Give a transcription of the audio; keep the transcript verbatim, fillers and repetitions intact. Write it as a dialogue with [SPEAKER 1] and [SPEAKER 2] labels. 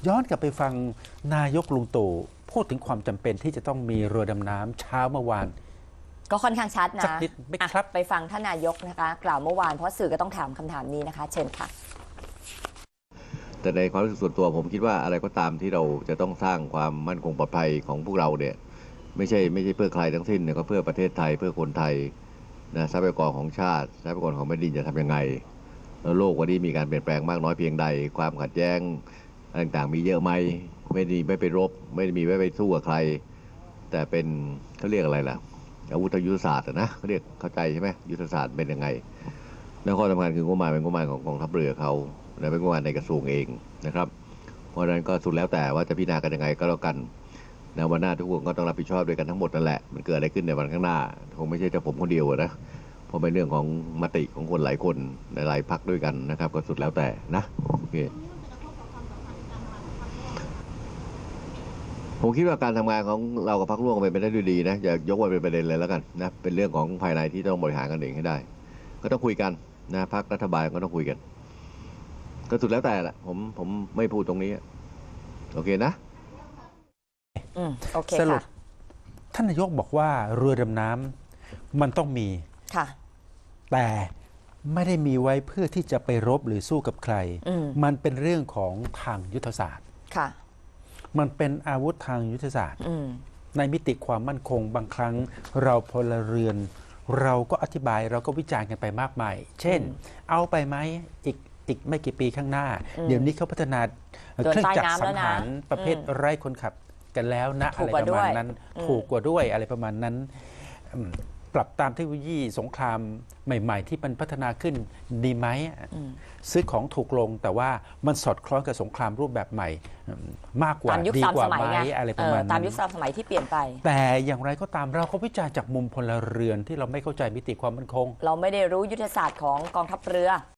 [SPEAKER 1] ย้อนกลับไปฟังนายกลุงตู่พูดถึงความจำเป็นที่จะต้องมีเรือดำน้ำเช้าเมื่อวาน
[SPEAKER 2] ก็ค่อนข้างชัดนะ
[SPEAKER 1] สักนิดไหมครับ
[SPEAKER 2] ไปฟังท่านนายกนะคะกล่าวเมื่อวานเพราะสื่อก็ต้องถามคำถามนี้นะคะเชิญค่ะ
[SPEAKER 3] แต่ในความรู้สึกส่วนตัวผมคิดว่าอะไรก็ตามที่เราจะต้องสร้างความมั่นคงปลอดภัยของพวกเราเนี่ยไม่ใช่ไม่ใช่เพื่อใครทั้งสิ้นเนี่ยก็เพื่อประเทศไทยเพื่อคนไทยนะทรัพยากรของชาติทรัพยากรของแผ่นดินจะทำยังไงแล้วโลกวันนี้มีการเปลี่ยนแปลงมากน้อยเพียงใดความขัดแย้งต่างๆมีเยอะไหมไม่ได้ไม่ไปรบไม่ได้มีไม่ไปสู้กับใครแต่เป็นเขาเรียกอะไรล่ะอาวุธยุทธศาสตร์นะเขาเรียกเข้าใจใช่ไหมยุทธศาสตร์เป็นยังไงแล้วข้อสำคัญคืองบประมาณเป็นงบประมาณของกองทัพเรือเขาและเป็นงบประมาณในกระทรวงเองนะครับเพราะฉะนั้นก็สุดแล้วแต่ว่าจะพิจารณากันยังไงก็แล้วกันนะวันหน้าทุกคนก็ต้องรับผิดชอบด้วยกันทั้งหมดนั่นแหละมันเกิดอะไรขึ้นในวันข้างหน้าคงไม่ใช่แต่ผมคนเดียวนะเพราะเป็นเรื่องของมติของคนหลายคนในหลายพรรคด้วยกันนะครับก็สุดแล้วแต่นะโอเคผมคิดว่าการทำงานของเรากับพรรคร่วมเป็นไปได้ด้วยดีนะอย่ายกว่าเป็นประเด็นเลยแล้วกันนะเป็นเรื่องของภายในที่ต้องบริหารกันเองให้ได้ก็ต้องคุยกันนะพรรครัฐบาลก็ต้องคุยกันก็สุดแล้วแต่แหละผมผมไม่พูดตรงนี้โอเคนะ
[SPEAKER 2] อืมโอเค
[SPEAKER 1] สรุป
[SPEAKER 2] ค่ะ
[SPEAKER 1] ท่านนายกบอกว่าเรือดำน้ำมันต้องมี
[SPEAKER 2] ค่ะ
[SPEAKER 1] แต่ไม่ได้มีไว้เพื่อที่จะไปรบหรือสู้กับใครมมันเป็นเรื่องของทางยุทธศาสตร์
[SPEAKER 2] ค่ะ
[SPEAKER 1] มันเป็นอาวุธทางยุทธศาสตร์ในมิติความมั่นคงบางครั้งเราพลเรือน เราก็อธิบายเราก็วิจารณ์กันไปมากมายเช่นเอาไปไหมอีกอีกไม่กี่ปีข้างหน้า เดี๋ยวนี้เขาพัฒนาเครื่องจักรสังหารประเภทไร้คนขับกันแล้วนะอะไรประมาณนั้นถูกกว่าด้วยอะไรประมาณนั้นปรับตามเทคโนโลยีสงครามใหม่ๆที่มันพัฒนาขึ้นดีไหมซื้อของถูกลงแต่ว่ามันสอดคล้องกับสงครามรูปแบบใหม่มากกว่าดีกว่าไหมอะไรประมาณนั้น
[SPEAKER 2] ตามยุคสมัยที่เปลี่ยนไป
[SPEAKER 1] แต่อย่างไรก็ตามเราก็วิจารณ์จากมุมพลเรือนที่เราไม่เข้าใจมิติความมั่นคง
[SPEAKER 2] เราไม่ได้รู้ยุทธศาสตร์ของกองทัพเรือ